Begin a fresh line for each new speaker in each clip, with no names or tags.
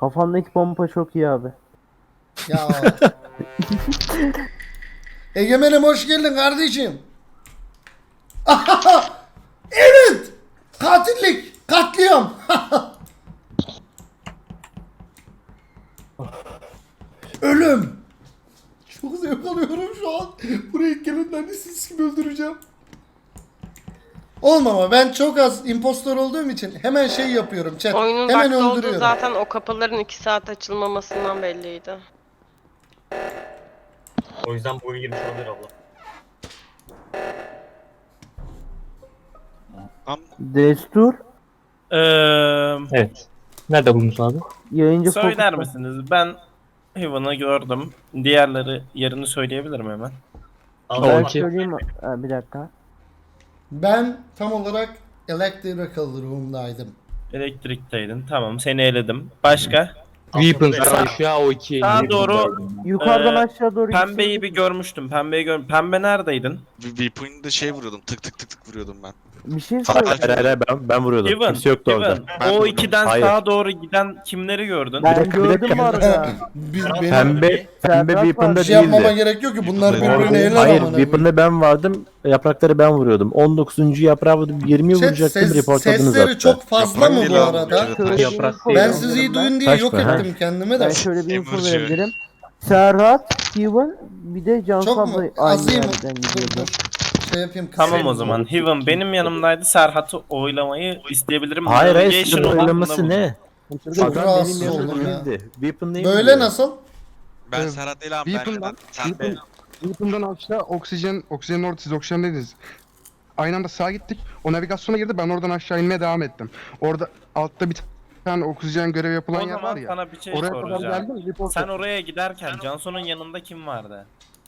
Kafandaki pompa çok iyi abi.
Ya. Egemen'im hoş geldin kardeşim. Evet. Katillik. Katliam. Ölüm. Çok zevk alıyorum şu an. Buraya gelenlerini siz gibi öldüreceğim. Olmama, ben çok az impostor olduğum için hemen şey yapıyorum chat.
Oyunun
Hemen
vakti olduğu
öldürüyorum.
zaten o kapıların 2 saat açılmamasından belliydi.
O yüzden bu oyun girmiş olabilir abla.
Destur
Evet. Nerede buldunuz abi?
yayıncı
Söyler
Focus'ta.
misiniz? Ben Heaven'ı gördüm. Diğerleri yerini söyleyebilirim hemen.
Ben
Abla
Okey.
söyleyeyim mi? Bir dakika.
Ben tam olarak Electrical Room'daydım.
Elektrikteydin. Tamam, seni eledim. Başka?
Weapons
Sağ-
aşağı o iki.
Sağa doğru
Yukarıdan
Ee,
aşağı doğru
pembeyi bir görmüştüm. Pembe neredeydin?
Weapon'da şey vuruyordum. Tık tık tık tık vuruyordum ben.
bir şey
Hayır,
söyle.
hayır,
Ben vuruyordum.
Heaven.
Kimse yoktu orada.
Heaven.
Ben
O
vurdum.
ikiden
Hayır.
sağa doğru giden kimleri gördün?
Ben
dakika, bir
gördüm
dakika.
bu arada.
Benim
Pembe
Serhat var.
Weapon'da
bir şey yapmama
değildi.
gerek yok ki bunlar
Hayır,
birbirine el
Hayır,
amına
Weapon'da ben vardım. Yaprakları ben vuruyordum. 19. yaprağı vurdum. 20'yi
Chat,
vuracaktım. Reportladınız
sesleri
hatta.
çok fazla mı bu
Yaprak
arada?
değil
Şöyle bir
Yaprak
info
değil.
Ben
verebilirim
sizi iyi
ben.
duyun diye
Taş
yok
mı, ha?
ettim kendimi de.
Ben şöyle bir info
Emerci.
verebilirim. Serhat, Steven, bir de Cansu
Çok mu?
abla aynı
Azayım.
yerden
Dur
gidiyordu.
dur. Şey yapayım.
Tamam
kısayım.
o zaman. Heaven benim yanımdaydı. Serhat'ı oylamayı isteyebilirim.
Hayır hayır.
Navigation
Sizin
odasında
oylaması
buldum.
ne?
Çok
Adam
rahatsız
benim
oldum ya.
yanımda değildi. Weapon değil
Böyle
mi?
nasıl?
Ben Serhat değil abi.
Weapon'dan,
Sen
Weapon'dan aşağı oksijenin orada siz oksijendeydiniz. Aynı anda sağa gittik. O navigasyona girdi. Ben oradan aşağı inmeye devam ettim. Orada altta bir tane oksijen görevi yapılan
O
yer var
zaman
ya.
sana bir şey
Oraya kadar
soracağım.
geldim. Report
Sen
ettim.
oraya giderken Cansu'nun yanında kim vardı?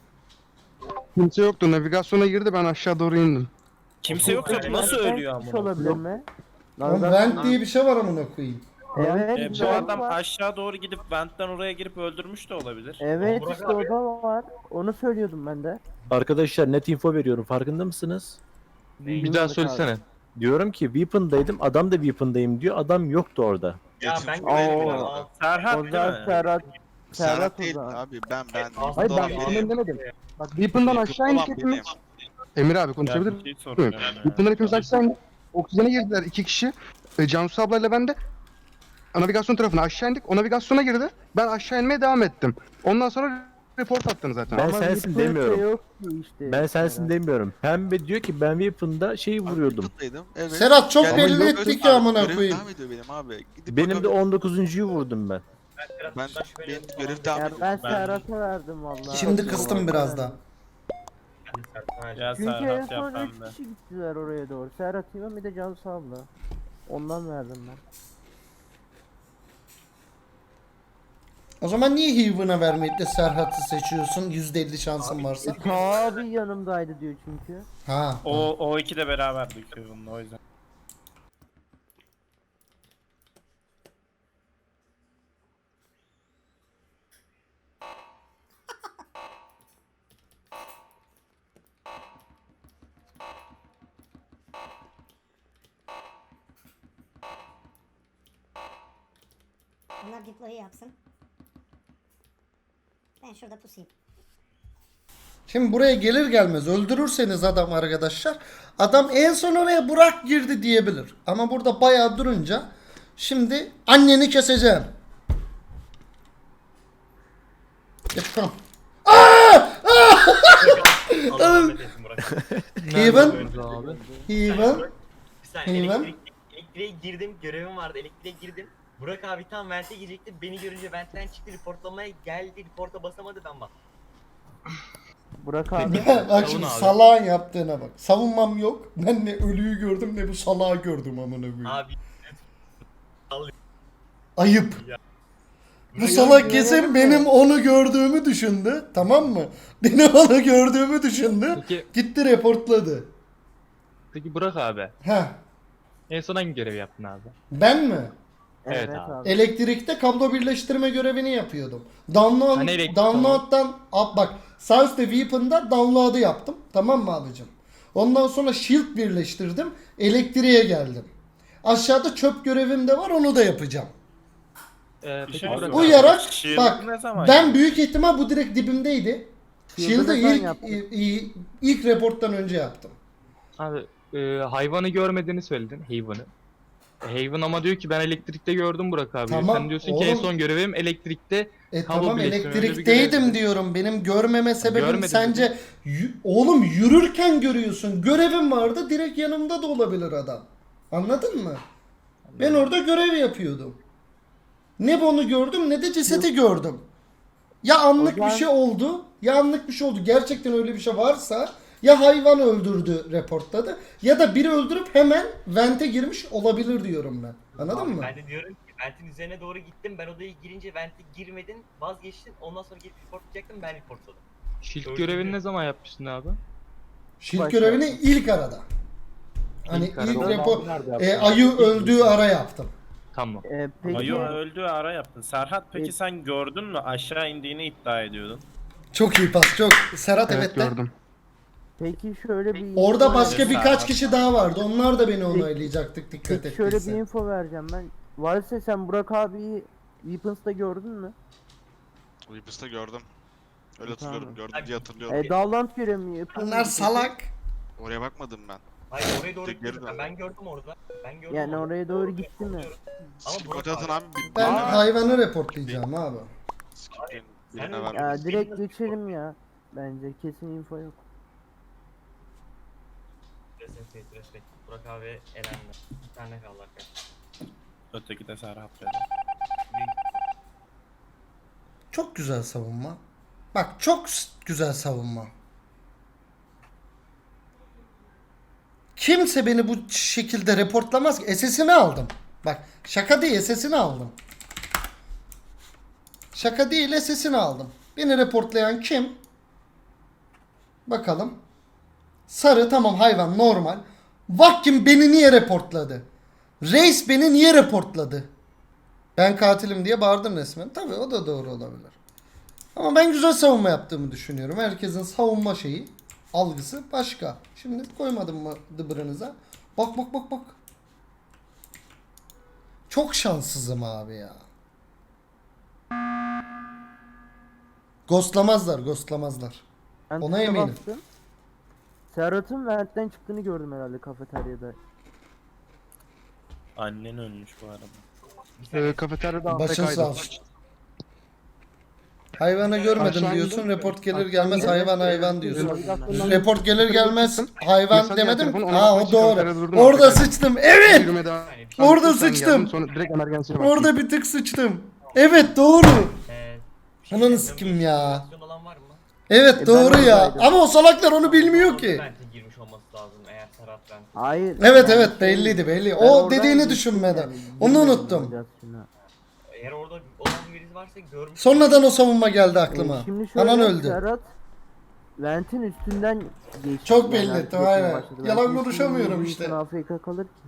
Kimse yoktu. Navigasyona girdi. Ben aşağı doğru indim.
Kimse yoksa nasıl ölüyor
Hiç
ama?
olabilir mi?
Oğlum vent diye bir şey var amına koyayım.
Evet,
Bu
bir
adam
var.
aşağı doğru gidip ventten oraya girip öldürmüş de olabilir.
Evet
Burak
işte
abi.
o da var. Onu söylüyordum ben de.
Arkadaşlar net info veriyorum. Farkında mısınız?
Bir daha söylesene.
Diyorum ki Weapon'daydım. Adam da Weapon'dayım diyor. Adam yoktu orada.
Ya ben
Oo.
görmedim ya.
Serhat
O
değil
zaman
mi?
Serhat.
Serhat
o
değil
zaman.
abi. Ben.
Hayır ben
Doğru.
Weapon'dan demedim. Bak Weapon'dan aşağı
Weapon
indik
olan
hepimiz.
benim.
Emir abi
Ya
konuşabilir
bir şey
miyim?
soracağım ya.
Weapon'dan hepimiz aşağı indik. Oksijene girdiler iki kişi. Cansu ablayla ben de navigasyon tarafına aşağı indik. O navigasyona girdi. Ben aşağı inmeye devam ettim. Ondan sonra report attın zaten.
Ben
Ama
sensin
Weapon
demiyorum.
şey yok ki işte.
Ben sensin demiyorum. Pembe diyor ki ben Weapon'da şeyi vuruyordum.
Weapon'daydım, Evet.
Serhat çok
Yani
belli
görev
ettik
abi,
ya amına
görev
koyayım.
devam ediyor benim abi. Gidip
Benim de
bakalım.
19.'yu vurdum ben.
Ben benim görev devam
Ya
ediyor.
ben Serhat'a verdim vallahi.
Şimdi kıstım biraz da.
Ya
Çünkü en
Serhat
son
ya
3
pembe.
kişi gittiler oraya doğru. Serhat İmam bir de Cansu abla. Ondan verdim ben.
O zaman niye Heaven'a vermeyip de Serhat'ı seçiyorsun? %50 şansın varsa.
Abi yanımdaydı diyor çünkü.
Ha.
O iki de beraberdik Heaven'la o yüzden.
Bunlar deploy'u yapsın. Ben şurada pusayım.
Şimdi buraya gelir gelmez öldürürseniz adam arkadaşlar. Adam en son oraya Burak girdi diyebilir. Ama burada bayağı durunca şimdi anneni keseceğim. Yapalım.
Allah rahmet eylesin Burak.
Heaven.
Abi.
Heaven.
Bir saniye
Heaven.
elektriğe girdim, görevim vardı, elektriğe girdim. Burak abi tam vente girecekti, beni görünce ventten çıktı, reportlamaya geldi, reporta basamadı, ben bak.
Burak abi.
Bak şimdi salağın yaptığına bak. Savunmam yok. Ben ne ölüyü gördüm ne bu salağı gördüm amına koyayım.
Abi
Ayıp.
Ya.
Bu salak kesin benim onu gördüğümü düşündü. Tamam mı? Benim onu gördüğümü düşündü.
Peki,
Gitti reportladı.
peki Burak abi.
Heh.
En son hangi görevi yaptın abi?
Ben mi?
Evet
Evet
abi.
abi.
Elektrikte kablo birleştirme görevini yapıyordum. Download,
Hani elektrik-
download'dan bak sağ üstte Weapon'da download'ı yaptım. Tamam mı abicim? Ondan sonra shield birleştirdim. Elektriğe geldim. Aşağıda çöp görevim de var onu da yapacağım.
Peki
şey
Burak
yok.
Bu
abi.
yarak
Shield
bak
ne zaman
ben
geldi?
büyük ihtimal bu direkt dibimdeydi. Shield'ı
Shield'ı ben yaptım.
ilk reporttan önce yaptım.
Abi hayvanı görmediğini söyledin. Hayvanı. Haven ama diyor ki ben elektrikte gördüm Burak abi.
Tamam,
Sen diyorsun ki en
oğlum.
son görevim elektrikte. Kablo
Tamam
birleştirme, öyle bir
elektrikteydim
görev dedi.
diyorum. Benim görmeme sebebim
Görmedim
sence oğlum yürürken görüyorsun. Görevim vardı direkt yanımda da olabilir adam. Anladın mı? Ben orada görev yapıyordum. Ne bunu gördüm ne de cesedi gördüm. Ya anlık bir
Hocam-
şey oldu. Ya anlık bir şey oldu. Gerçekten öyle bir şey varsa ya hayvan öldürdü reportladı ya da biri öldürüp hemen vente girmiş olabilir diyorum ben. Anladın
Abi
mı?
Ben de diyorum ki ventin üzerine doğru gittim. Ben odaya girince vente girmedin, vazgeçtin. Ondan sonra gelip reportlayacaktım, ben reportladım.
Shield
Öldürdü.
görevini ne zaman yapmıştın abi?
Shield
Başka.
görevini ilk arada. Hani
İlk
ilk
arada.
report
Nerede yaptın?
ayı öldüğü ara yaptım.
Tamam.
Peki
Ayo öldü ara yaptın. Serhat peki sen gördün mü aşağı indiğini iddia ediyordun.
Çok iyi pas çok. Serhat
Evet
evet de.
gördüm.
peki şöyle bir
Orada
info
başka
Evet,
birkaç
Serhat.
kişi daha vardı. Onlar da beni onaylayacaktık dikkat
Peki şöyle bir
ettiyse.
info vereceğim ben. Valse sen Burak abiyi Weapons'ta gördün mü?
Weapons'ta gördüm. Öyle
Tamam.
hatırlıyorum. Gördüm diye hatırlıyorum.
Dağlant görevi mi yapıyor?
Onlar
muydun?
salak.
Oraya bakmadım ben.
Hayır oraya doğru
Tek
gittim.
geri
Ben gördüm orada. Ben gördüm
Yani
orada.
oraya doğru gitti mi?
Ama
Skip
Burak
atın abi.
Ben
birine ver.
hayvanı reportlayacağım abi.
Skip'in
Sen
birine
öyle-
ver.
Ya direkt geçelim ya. Bence kesin info yok.
Respekt. Burak abi elendi. Bir tane kaldı arkadaşlar.
Öteki de Serhat dedi.
Çok güzel savunma. Bak çok güzel savunma. Kimse beni bu şekilde reportlamaz ki. SS'ini aldım. Bak şaka değil SS'ini aldım. Şaka değil SS'ini aldım. Beni reportlayan kim? Bakalım. Sarı tamam hayvan normal. Vakkim beni niye reportladı? Reis beni niye reportladı? Ben katilim diye bağırdım resmen. Tabii o da doğru olabilir. Ama ben güzel savunma yaptığımı düşünüyorum. Herkesin savunma şeyi, algısı başka. Şimdi koymadım mı dıbırınıza? Bak bak bak bak. Çok şanssızım abi ya. Ghostlamazlar.
Ben
Ona
tuşa
eminim.
bastım. Serhat'ın ventten çıktığını gördüm herhalde kafeteryada.
Annen ölmüş bu arada.
Kafeteryada
Başın
AFK'ydı.
sağ olsun. Hayvanı görmedim
Aşağı
diyorsun.
indim.
Report gelir gelmez hayvan diyorsun.
Navigasyondan-
Report gelir gelmez hayvan
Mesaj
demedim.
geldi, telefon, ona
Ha
bakmak
o
için kafeteryada
doğru.
durdum,
Orada
AFK'ydim.
sıçtım. Evet.
Yürüme devam-
Orada
Sen
sıçtım.
geldin, sonra direkt emergency'ye baktım.
Orada bir tık sıçtım. Evet doğru. Ananı
diyeceğim,
sikim ya.
motivasyon olan var mı?
Evet
ben
doğru ya.
oradaydım.
Ama o salaklar onu bilmiyor ki.
Vente girmiş olması lazım eğer Serhat vente.
Hayır.
Evet
yani
evet
şey-
belli.
Ben
O
oradan
dediğini
geçtim
düşünmeden.
yani,
Onu
bilmiyorum
unuttum.
navigasyonu.
Eğer orada olan birisi varsa görmüş.
Sonradan o savunma geldi aklıma.
Şimdi şöyle
Anan öldü.
Serhat Vent'in üstünden geçti.
Çok belli,
artık
tamam, aynen.
geçmeye başladı.
Yalan
Vent'in
konuşamıyorum
üstünden
işte.
Afrika kalır ki.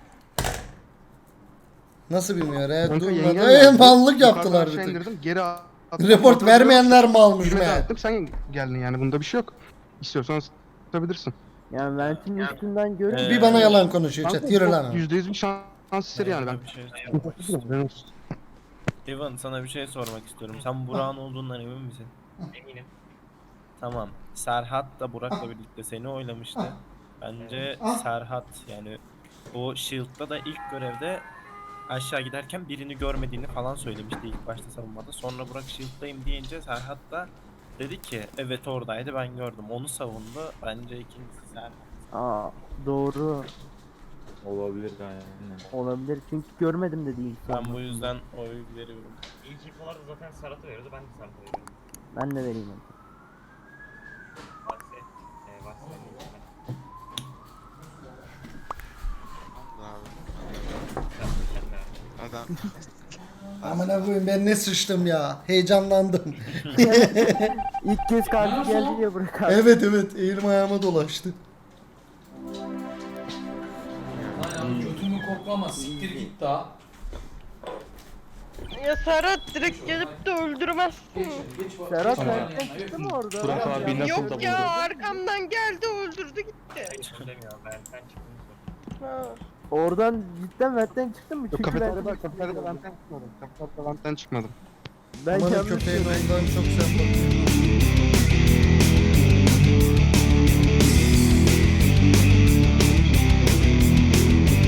Nasıl bilmiyor ya?
Kanka,
Durmadı.
yengem geldi.
Mallık
Yukarıdan
yaptılar
aşağı
bir tık.
indirdim, geri attım.
Report
Ortada
vermeyenler mi almış
yürüme
meğer?
ettim, sen geldin yani bunda bir şey yok. İstiyorsan satabilirsin.
Yani Vent'in üstünden görünce
Bir bana yalan konuşuyor
Kanka,
chat. Yürü
çok
lan.
%100 bir şans eseri yani ben.
Bir şey sormak istiyorum. Ivan sana bir şey sormak istiyorum. Sen Burak'ın olduğundan emin misin?
Eminim.
Tamam. Serhat da Burak'la birlikte seni oylamıştı. Bence Serhat yani o Shield'da da ilk görevde aşağı giderken birini görmediğini falan söylemişti ilk başta savunmada. Sonra Burak Shield'dayım deyince Serhat da dedi ki evet oradaydı ben gördüm. Onu savundu. Bence ikincisi Serhat.
Aa doğru
Olabilir yani.
olabilir çünkü görmedim dedi ilk
Ben
savunmasında.
bu yüzden oy veriyorum.
İlk infolarda zaten Serhat'a veriyordu. Ben de Serhat'a veriyorum.
Ben de vereyim onu.
Vakse. Vakse.
Adam.
Amına koyayım ben ne sıçtım ya. Heyecanlandım.
İlk kez kalbi geldi ya Burak abi.
Evet evet elim ayağıma dolaştı.
Götümü koklama siktir git daha.
Ya Serhat direkt gelip de öldürmezsin.
Serhat
Tamam.
Vent'ten çıktı mı orada?
Burak abi
Yani
nasıl
Yok
da
ya
buldu?
arkamdan geldi öldürdü gitti.
Hayır söylemiyor. Ben çıktım.
Ha.
Oradan cidden ventten çıktın mı?
Yok,
Çünkü ben
kafeteryada ventten çıkmadım. Kafeteryada ventten çıkmadım.
ben
Amanın
yanlış
köpeğin
gördüm.
ondan çok sempatik.